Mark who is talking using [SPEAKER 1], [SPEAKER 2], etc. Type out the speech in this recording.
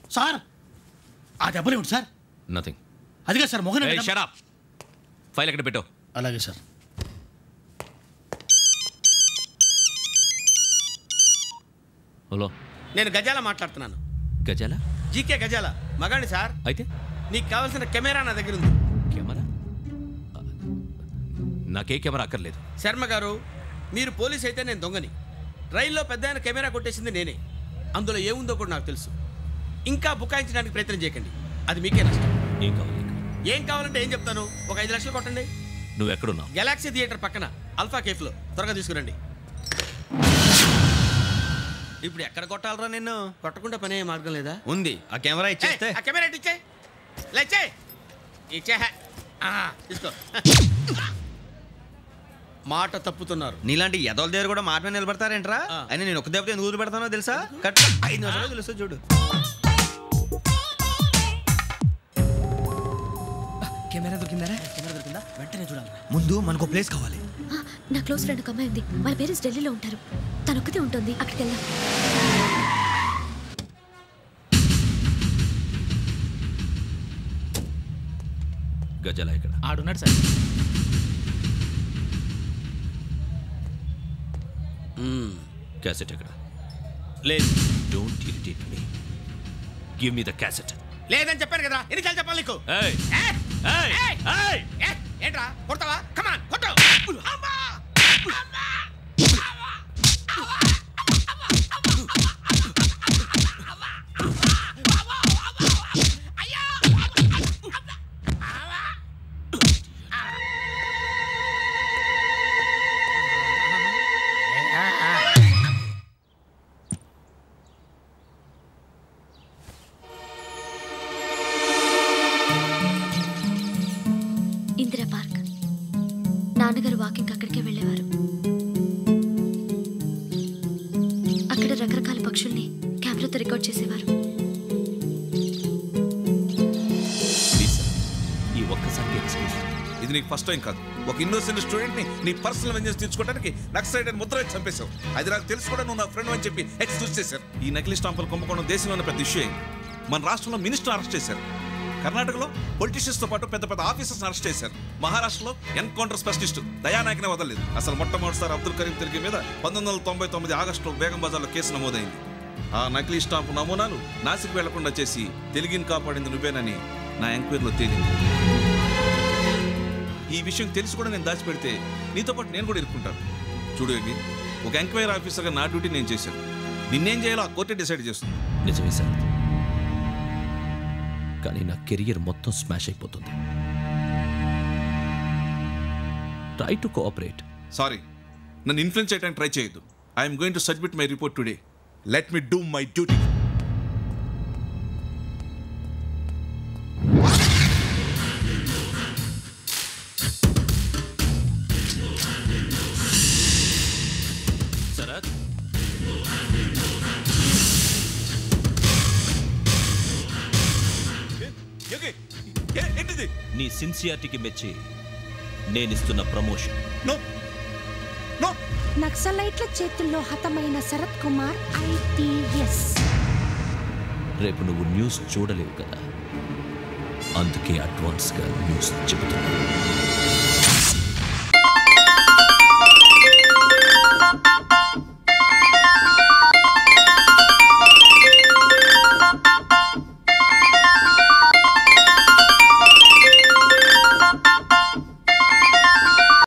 [SPEAKER 1] Sir ఆ దెబ్బలేమిటి sir?
[SPEAKER 2] Nothing.
[SPEAKER 1] అదిగా sir Mohan.
[SPEAKER 2] Shut up. File ఎక్కడ పెట్టావు?
[SPEAKER 1] అలాగే సార్.
[SPEAKER 2] హలో,
[SPEAKER 3] నేను గజాల మాట్లాడుతున్నాను.
[SPEAKER 2] గజాల?
[SPEAKER 3] జీకే గజాల మగాండి సార్.
[SPEAKER 2] అయితే
[SPEAKER 3] నీకు కావాల్సిన కెమెరా నా దగ్గర ఉంది.
[SPEAKER 2] కెమెరా? నాకే కెమెరా అక్కర్లేదు.
[SPEAKER 3] శర్మ గారు, మీరు పోలీస్ అయితే నేను దొంగని. రైల్లో పెద్ద ఆయన కెమెరా కొట్టేసింది నేనే. అందులో ఏముందో కూడా నాకు తెలుసు. ఇంకా బుకాయించడానికి ప్రయత్నం చేయకండి, అది మీకే నష్టం.
[SPEAKER 2] ఏం కావాలి?
[SPEAKER 3] ఏం కావాలంటే ఏం చెప్తాను. ఒక 5 లక్షలు కొట్టండి.
[SPEAKER 2] నువ్వు ఎక్కడున్నావు?
[SPEAKER 3] గెలాక్సీ థియేటర్ పక్కన అల్ఫా కేఫ్లో. త్వరగా తీసుకురండి. ఇప్పుడు ఎక్కడ కొట్టాలరా నిన్ను? కొట్టకుండా పనే మార్గం లేదా?
[SPEAKER 4] ఉంది. ఆ కెమెరా ఇచ్చేస్తే.
[SPEAKER 3] ఆ కెమెరా ఇచ్చే లేచే ఇచ్చే. తీసుకో. మాట తప్పుతున్నారు.
[SPEAKER 4] నీలాంటి ఎదల దగ్గర కూడా మాట మీద నిలబడతారేంట్రా? అయినా నేను ఒక దెబ్బతో ఎందుకు ఊరు పెడతానో తెలుసా? కట్ 5 నిమిషాలు తెలుసు చూడు. కెమెరా దొరికిందా?
[SPEAKER 3] వెంటనే చూడాలి.
[SPEAKER 4] ముందు మనకు ప్లేస్ కావాలి.
[SPEAKER 5] నా క్లోజ్ ఫ్రెండ్ ఒక అమ్మాయి ఉంది. వాళ్ళ పేరెంట్స్ ఢిల్లీలో ఉంటారు. తను ఒక్కతే ఉంటుంది. అక్కడికి వెళ్దాం.
[SPEAKER 2] గజాల ఇక్కడ
[SPEAKER 1] ఆడున్నాడు సార్.
[SPEAKER 2] క్యాసెట్ ఎక్కడ?
[SPEAKER 3] లేదు.
[SPEAKER 2] Don't irritate me. Give me the cassette.
[SPEAKER 3] లేదని చెప్పాను కదా, ఎన్నిసార్లు చెప్పాలి నీకు? ఏంట్రా కొడతావా? కమాన్ కొట్టు.
[SPEAKER 5] ఇందిరా పార్క్. నాన్నగారు వాకింగ్ అక్కడికే వెళ్ళేవారు. అక్కడ రకరకాల పక్షుల్ని కెమెరాతో రికార్డ్ చేసేవారు.
[SPEAKER 2] ఈ ఒక్కసారి
[SPEAKER 6] ఇది నీకు ఫస్ట్ టైం కాదు. ఒక ఇన్నోసెంట్ స్టూడెంట్ ని నీ పర్సనల్ వెంజెన్స్ తీర్చుకోవడానికి నక్సలైట్ అని ముద్ర వేసి చంపేశావు. అది నాకు తెలుసు కూడా నువ్వు నా ఫ్రెండ్ అని చెప్పి ఎక్స్క్యూజ్ చేశారు. ఈ నకిలీ స్టాంపులు కుంభకోణం దేశంలో ఉన్న పెద్ద ఇష్యూ అయింది. మన రాష్ట్రంలో మినిస్టర్ అరెస్ట్ చేశారు. కర్ణాటకలో పొలిటీషియన్స్ తో పాటు పెద్ద పెద్ద ఆఫీసర్స్ అరెస్ట్ చేశారు. మహారాష్ట్రలో ఎన్కౌంటర్ స్పెషలిస్ట్ దయానాయకనే వదలలేదు. అసలు మొట్టమొదటిసారి అబ్దుల్ కరీం తిరిగి మీద 1999 ఆగస్టులో బేగం బజార్లో కేసు నమోదైంది. ఆ నకిలీ స్టాంపు నమూనాలు నాసిక్ వెళ్లకుండా చేసి తెలుగుని కాపాడింది నువ్వేనని నా ఎంక్వైరీలో తేలింది. ఈ విషయం తెలిసి కూడా నేను దాచిపెడితే నీతో పాటు నేను కూడా ఇరుక్కుంటాను. చూడు యోగి, ఒక ఎంక్వైరీ ఆఫీసర్గా నా డ్యూటీ నేను చేశాను. నిన్నేం చేయాలో ఆ కోర్టే డిసైడ్ చేస్తుంది.
[SPEAKER 2] నిజమే సార్, కానీ నా కెరియర్ మొత్తం స్మాష్ అయిపోతుంది. Try to cooperate.
[SPEAKER 6] సారీ, నన్ను ఇన్ఫ్లుయెన్స్ చేయడానికి ట్రై చేయొద్దు. I'm going to submit my report today. Let me do my duty.
[SPEAKER 2] Sarath, నీ సిన్సియారిటీకి మెచ్చి నేనిస్తున్న ప్రమోషన్.
[SPEAKER 7] నక్సలైట్ల చేతుల్లో హతమైన శరత్ కుమార్ ఐపీఎస్.
[SPEAKER 2] రేపు నువ్వు న్యూస్ చూడలేవు కదా, అందుకే అడ్వాన్స్గా న్యూస్ చెబుతున్నా.